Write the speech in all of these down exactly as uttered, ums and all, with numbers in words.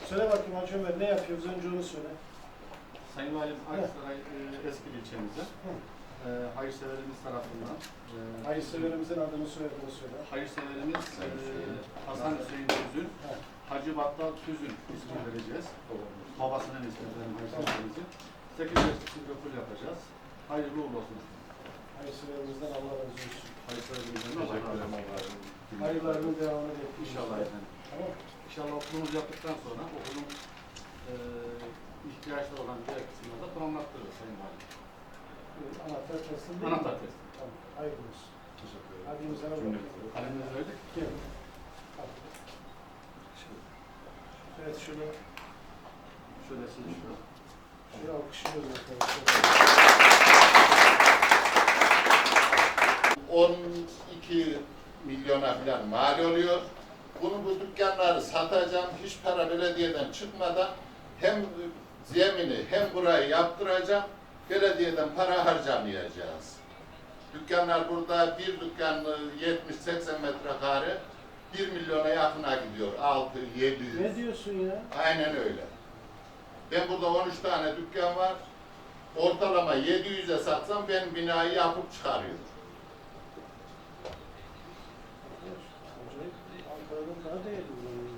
Söyle bakayım Hacı Ömer, ne yapıyoruz? Önce onu söyle. Sayın Valim, Aksaray e, eski ilçemizde e, hayırseverimiz tarafından e, Hayırseverimizin adını soyadını söyle. hayırseverimiz e, Hasan Hüseyin Tüzün, Hacı Battal Tüzün ismini vereceğiz. Babasının ismini verelim hayırseverimizin. sekiz yaş silveful yapacağız. Hayırlı uğurlu olsun. Hayırseverimizden Allah razı olsun. Hayırseverimizden Allah razı olsun. Hayırlarının devamını bekliyoruz. İnşallah efendim. Tamam. İnşallah okulumuzu yaptıktan sonra okulun e, ihtiyaçları olan diğer kısımlarda tamamlattırırız Sayın Valim. Ee, Anahtar teslim değil mi? Anahtar teslim. Tamam. Hayırlı olsun. Teşekkür ederim. Hadi imzana bakalım. Kalemimizi verdik. Gel. Al. Evet şunu, Şöyle sizi şurada. şunu alkışlıyoruz arkadaşlar. on iki milyona falan mal oluyor. Bunu bu dükkanları satacağım. Hiç para belediyeden çıkmadan hem zemini hem burayı yaptıracağım. Belediyeden para harcamayacağız. Dükkanlar burada bir dükkan yetmiş seksen metrekare bir milyona yakına gidiyor. altı yedi yüz. Ne diyorsun ya? Aynen öyle. Ben burada on üç tane dükkan var. Ortalama yedi yüze satsam ben binayı yapıp çıkarıyorum. Ankara'dan daha değerli buranın.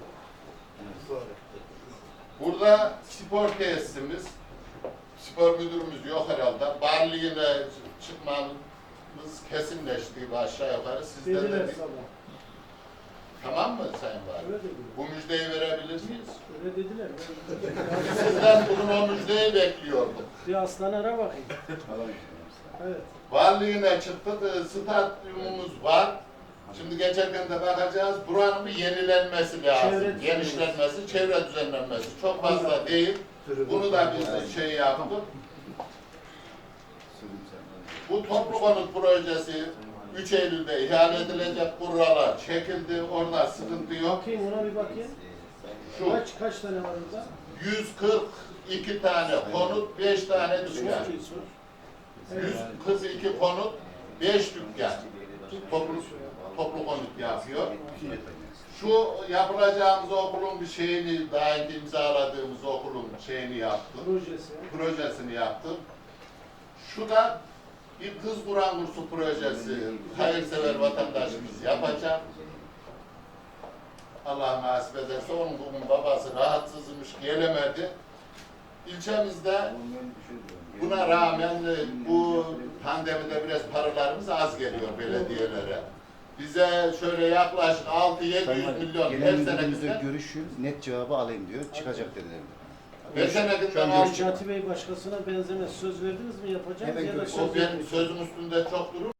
Burada spor tesisimiz, spor müdürümüz yok herhalde. Barlığına çıkmamız kesinleşti aşağı yukarı. Sizden Dediler de bir... sana. Tamam mı Sayın Valim? Öyle dediler. Bu müjdeyi verebilir miyiz? Öyle dediler. Sizden bugün o müjdeyi bekliyordum. Bir aslan ara bakayım. Evet. Varlığına çıktık, stadyumumuz var. Şimdi geçerken de bakacağız, buranın bir yenilenmesi lazım. Çevre Genişlenmesi, çevre düzenlenmesi. Çok fazla değil. Bunu da biz şey yaptık. Bu toplu konut projesi üç Eylül'de ihale edilecek, buralar çekildi, orada sıkıntı yok. Bakayım ona bir bakayım. Şu Kaç kaç tane var orada? yüz kırk iki tane konut, beş tane dükkan. Çok iyi sor. Evet. yüz kırk iki konut, beş dükkan. Toplu, toplu konut yapıyor. Şu yapılacağımız okulun bir şeyini, daha önce imzaladığımız okulun şeyini yaptım. Projesi. Projesini yaptım. Şu da bir kız Kur'an kursu projesi, hayırsever vatandaşımız yapacak. Allah nasip ederse onun bugün babası rahatsızmış, gelemedi. İlçemizde buna rağmen bu pandemide biraz paralarımız az geliyor belediyelere. Bize şöyle yaklaşık altı yedi yüz milyon her sene güzel. Görüşün net cevabı alayım diyor. Çıkacak dediler. Her sene Şu an günden görüşecek. Necati Bey başkasına benzemez. Söz verdiniz mi yapacağız Hemen ya da görüşürüz. söz O benim verdiniz. sözüm üstünde çok durur.